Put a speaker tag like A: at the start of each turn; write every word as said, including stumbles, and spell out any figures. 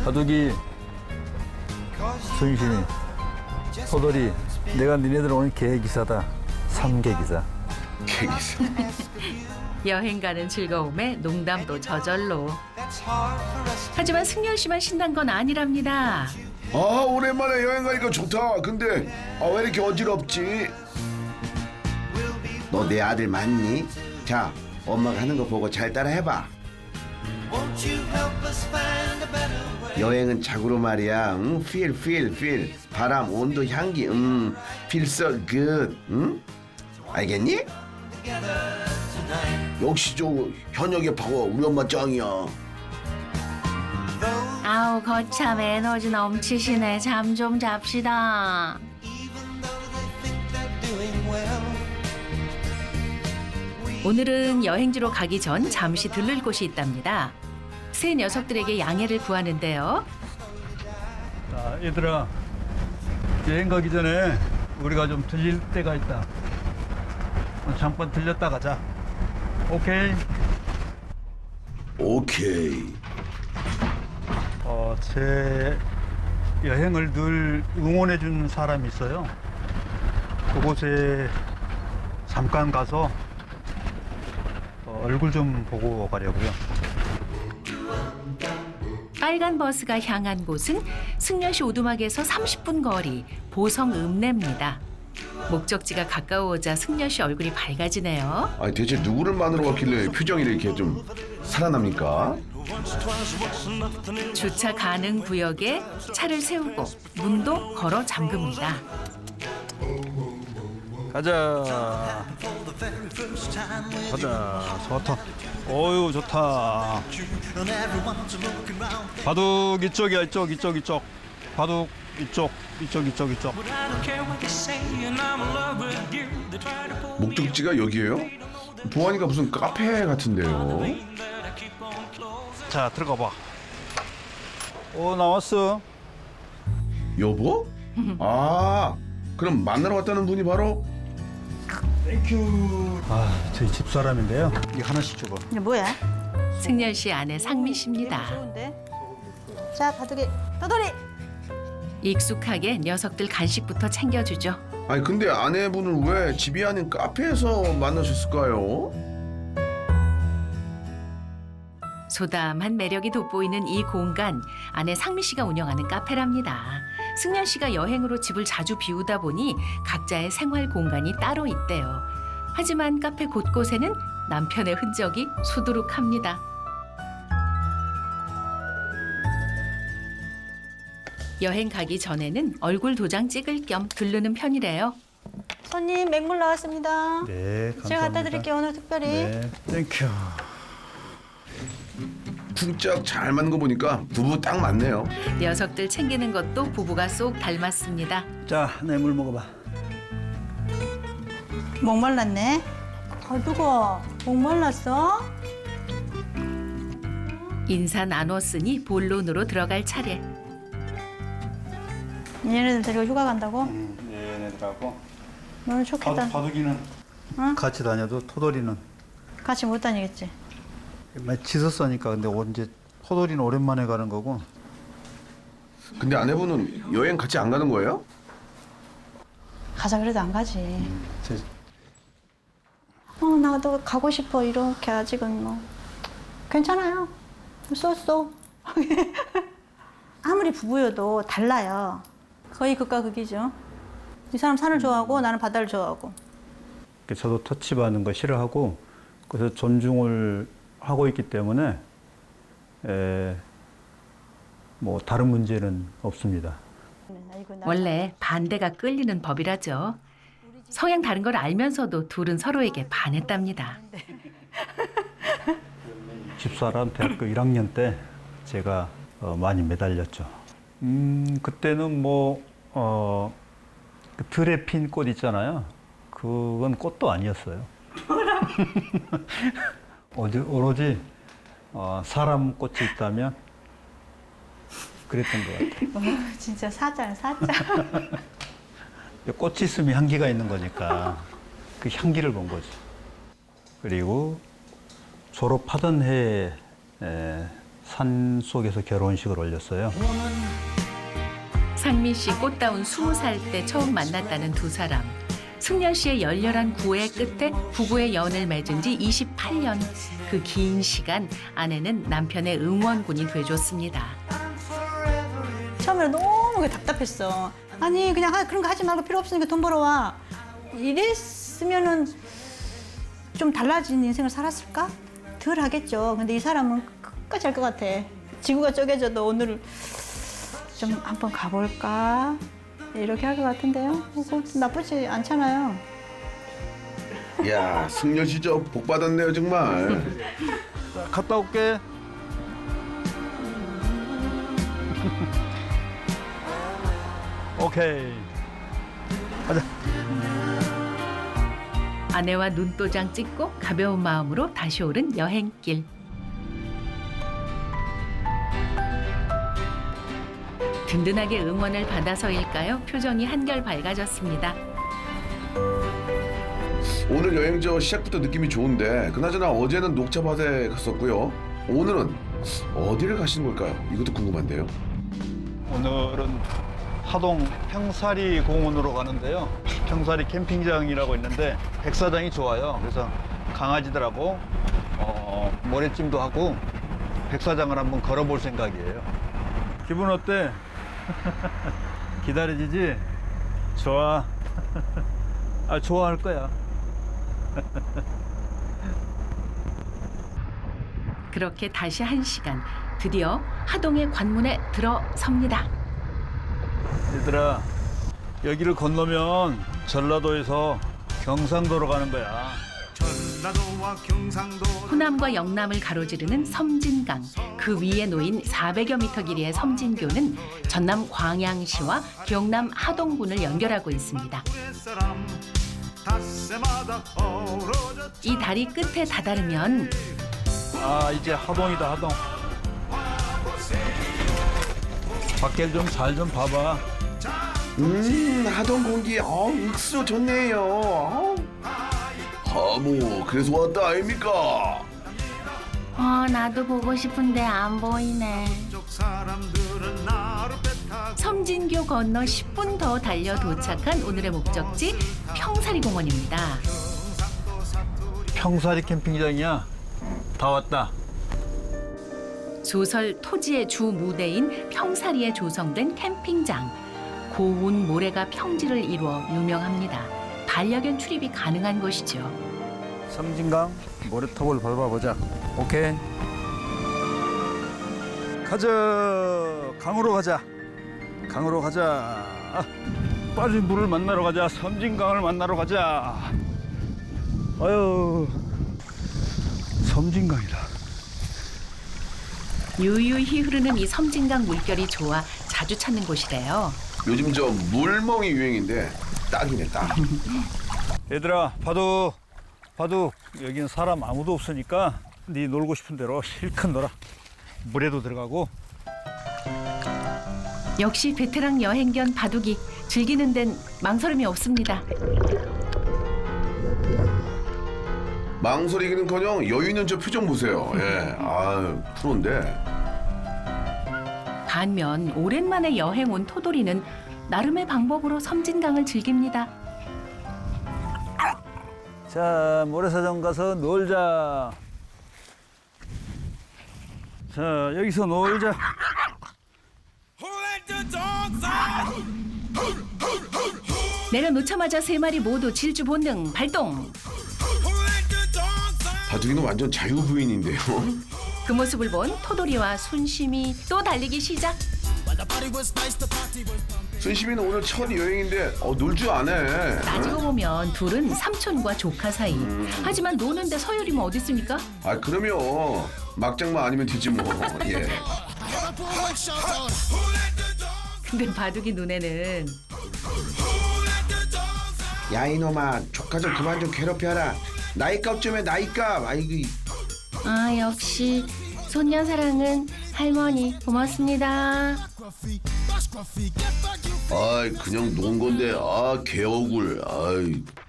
A: 바둑이, 순신이, 포돌이, 내가 니네들 오늘 계기사다. 삼계기사.
B: 계기사.
C: 여행 가는 즐거움에 농담도 저절로. 하지만 승열 씨만 신난 건 아니랍니다.
B: 아, 오랜만에 여행 가니까 좋다. 근데 아, 왜 이렇게 어지럽지? 너 내 아들 맞니? 자, 엄마가 하는 거 보고 잘 따라 해봐. 여행은 자고로 말이야. 응? Feel, feel, feel. 바람, 온도, 향기. 음, feel so good. 응? 알겠니? 역시 저 현역의 파워 우리 엄마 짱이야.
C: 아우 거참 에너지 넘치시네. 잠 좀 잡시다. 오늘은 여행지로 가기 전 잠시 들를 곳이 있답니다. 새 녀석들에게 양해를 구하는데요.
A: 자, 얘들아. 여행 가기 전에 우리가 좀 들릴 때가 있다. 잠깐 들렸다 가자. 오케이.
B: 오케이.
A: 어, 제 여행을 늘 응원해 준 사람이 있어요. 그곳에 잠깐 가서 어, 얼굴 좀 보고 가려고요.
C: 빨간 버스가 향한 곳은 승려시 오두막에서 삼십 분 거리 보성 읍내입니다. 목적지가 가까워오자 승려시 얼굴이 밝아지네요.
B: 아니 대체 누구를 만나러 갔길래 표정이 이렇게 좀 살아납니까?
C: 주차 가능 구역에 차를 세우고 문도 걸어 잠급니다.
A: 가자. 가자. 좋다. 어유 좋다. 바둑 이쪽이야. 이쪽 이쪽 이쪽. 바둑 이쪽 이쪽 이쪽 이쪽.
B: 목적지가 여기예요? 보아니까 무슨 카페 같은데요.
A: 자 들어가 봐. 오 나왔어.
B: 여보? 아, 그럼 만나러 왔다는 분이 바로
A: 땡큐. 아 저희 집 사람인데요. 이거 하나씩 줘봐.
D: 이게 뭐야?
C: 승열 씨 아내 상미 씨입니다.
D: 좋은데? 자, 바둑이 떠돌이.
C: 익숙하게 녀석들 간식부터 챙겨주죠.
B: 아니 근데 아내분을 왜 집이 아닌 카페에서 만나셨을까요?
C: 소담한 매력이 돋보이는 이 공간, 아내 상미 씨가 운영하는 카페랍니다. 승열 씨가 여행으로 집을 자주 비우다 보니 각자의 생활 공간이 따로 있대요. 하지만 카페 곳곳에는 남편의 흔적이 수두룩합니다. 여행 가기 전에는 얼굴 도장 찍을 겸 들르는 편이래요.
D: 손님 맹물 나왔습니다.
A: 네 감사합니다.
D: 제가 갖다 드릴게요, 오늘 특별히.
A: 네 땡큐.
B: 쿵짝 잘 맞는 거 보니까 부부 딱 맞네요.
C: 녀석들 챙기는 것도 부부가 쏙 닮았습니다.
A: 자 내 물 먹어봐.
D: 목말랐네. 바둑아, 목말랐어?
C: 인사 나눴으니 본론으로 들어갈 차례.
D: 얘네들 데리고 휴가 간다고?
A: 네, 얘네들하고
D: 너는 좋겠다.
A: 바둑, 바둑이는
D: 응?
A: 같이 다녀도 토돌이는
D: 같이 못 다니겠지?
A: 많이 짖었으니까. 근데 언제 토돌이는 오랜만에 가는 거고.
B: 근데 아내분은 여행 같이 안 가는 거예요?
D: 가자 그래도 안 가지.
A: 제,
D: 어, 나도 가고 싶어. 이렇게 아직은 뭐. 괜찮아요. 쏘쏘. 아무리 부부여도 달라요. 거의 극과 극이죠. 이 사람 산을 좋아하고 나는 바다를 좋아하고.
A: 저도 터치받는 거 싫어하고 그래서 존중을 하고 있기 때문에 에, 뭐 다른 문제는 없습니다.
D: 아이고, 나-
C: 원래 반대가 끌리는 법이라죠. 성향 다른 걸 알면서도 둘은 서로에게 반했답니다.
A: 집사람 대학교 일 학년 때 제가 어, 많이 매달렸죠. 음 그때는 뭐 어, 그 틀에 핀 꽃 있잖아요. 그건 꽃도 아니었어요. 어디 오로지 어, 사람 꽃이 있다면 그랬던 것 같아요.
D: 어, 진짜 사자는 사자.
A: 꽃이 있으면 향기가 있는 거니까 그 향기를 본 거죠. 그리고 졸업하던 해에 에, 산 속에서 결혼식을 올렸어요.
C: 상미 씨 꽃다운 스무 살 때 처음 만났다는 두 사람. 승려 씨의 열렬한 구애 끝에 부부의 연을 맺은 지 이십팔 년. 그 긴 시간 아내는 남편의 응원군이 돼줬습니다.
D: 처음에 너무 그게 답답했어. 아니 그냥 하- 그런 거 하지 말고 필요 없으니까 돈 벌어와. 이랬으면은 좀 달라진 인생을 살았을까? 덜 하겠죠. 근데 이 사람은 끝까지 할 것 같아. 지구가 쪼개져도 오늘 좀 한번 가볼까? 이렇게 할 것 같은데요. 그거 나쁘지 않잖아요.
B: 야, 승려 씨 저 복 받았네요 정말.
A: 자, 갔다 올게. 오케이. 가자.
C: 아내와 눈도장 찍고 가벼운 마음으로 다시 오른 여행길. 든든하게 응원을 받아서일까요? 표정이 한결 밝아졌습니다.
B: 오늘 여행 저 시작부터 느낌이 좋은데 그나저나 어제는 녹차밭에 갔었고요. 오늘은 어디를 가시는 걸까요? 이것도 궁금한데요.
A: 오늘은 하동 평사리 공원으로 가는데요. 평사리 캠핑장이라고 있는데 백사장이 좋아요. 그래서 강아지들하고 어, 모래찜도 하고 백사장을 한번 걸어볼 생각이에요. 기분 어때? 기다려지지? 좋아. 아, 좋아할 거야.
C: 그렇게 다시 한 시간. 드디어 하동의 관문에 들어섭니다.
A: 얘들아, 여기를 건너면 전라도에서 경상도로 가는 거야.
E: 전라도와 경상도
C: 호남과 영남을 가로지르는 섬진강. 그 위에 놓인 사백여 미터 길이의 섬진교는 전남 광양시와 경남 하동군을 연결하고 있습니다.
E: 사람 닷새마다 어우러져
C: 이 다리 끝에 다다르면
A: 아, 이제 하동이다, 하동. 밖에 좀 잘 좀 봐봐.
B: 음, 하동 공기 어 육수 좋네요. 어. 하모 그래서 왔다 아닙니까?
C: 어, 나도 보고 싶은데 안 보이네.
E: 쪽 사람들은 나를 배 타고
C: 섬진교 건너 십 분 더 달려 도착한 오늘의 목적지 평사리 공원입니다.
A: 평사리 캠핑장이야. 다 왔다.
C: 소설 토지의 주 무대인 평사리에 조성된 캠핑장. 고운 모래가 평지를 이루어 유명합니다. 반려견 출입이 가능한 곳이죠.
A: 섬진강 모래톱을 밟아보자. 오케이. 가자. 강으로 가자. 강으로 가자. 아, 빨리 물을 만나러 가자. 섬진강을 만나러 가자. 아유, 섬진강이다.
C: 유유히 흐르는 이 섬진강 물결이 좋아 자주 찾는 곳이래요.
B: 요즘 저 물멍이 유행인데 딱이네 딱.
A: 얘들아, 바둑, 바둑. 여기는 사람 아무도 없으니까 네 놀고 싶은 대로 실컷 놀아. 물에도 들어가고.
C: 역시 베테랑 여행견 바둑이 즐기는 데는 망설임이 없습니다.
B: 망설이기는커녕 여유 있는 저 표정 보세요. 예, 아 프로인데.
C: 반면 오랜만에 여행 온 토돌이는 나름의 방법으로 섬진강을 즐깁니다.
A: 자, 모래사장 가서 놀자. 자, 여기서 놀자.
C: 내려놓자마자 세 마리 모두 질주 본능 발동.
B: 바둑이는 완전 자유부인인데요.
C: 그 모습을 본 토돌이와 순심이 또 달리기 시작.
B: 순심이는 오늘 첫 여행인데 어, 놀 줄 아네.
C: 따지고 보면 둘은 삼촌과 조카 사이. 하지만 노는데 서열이면 어디 있습니까?
B: 아 그러면 막장만 아니면 되지 뭐. 예.
C: 근데 바둑이 눈에는
B: 야 이놈아 조카 좀 그만 좀 괴롭혀라. 나이값 좀 해 나이값. 아이고.
C: 아 역시 소녀 사랑은 할머니 고맙습니다.
B: 아이 그냥 논 건데 아 개억울. 아이.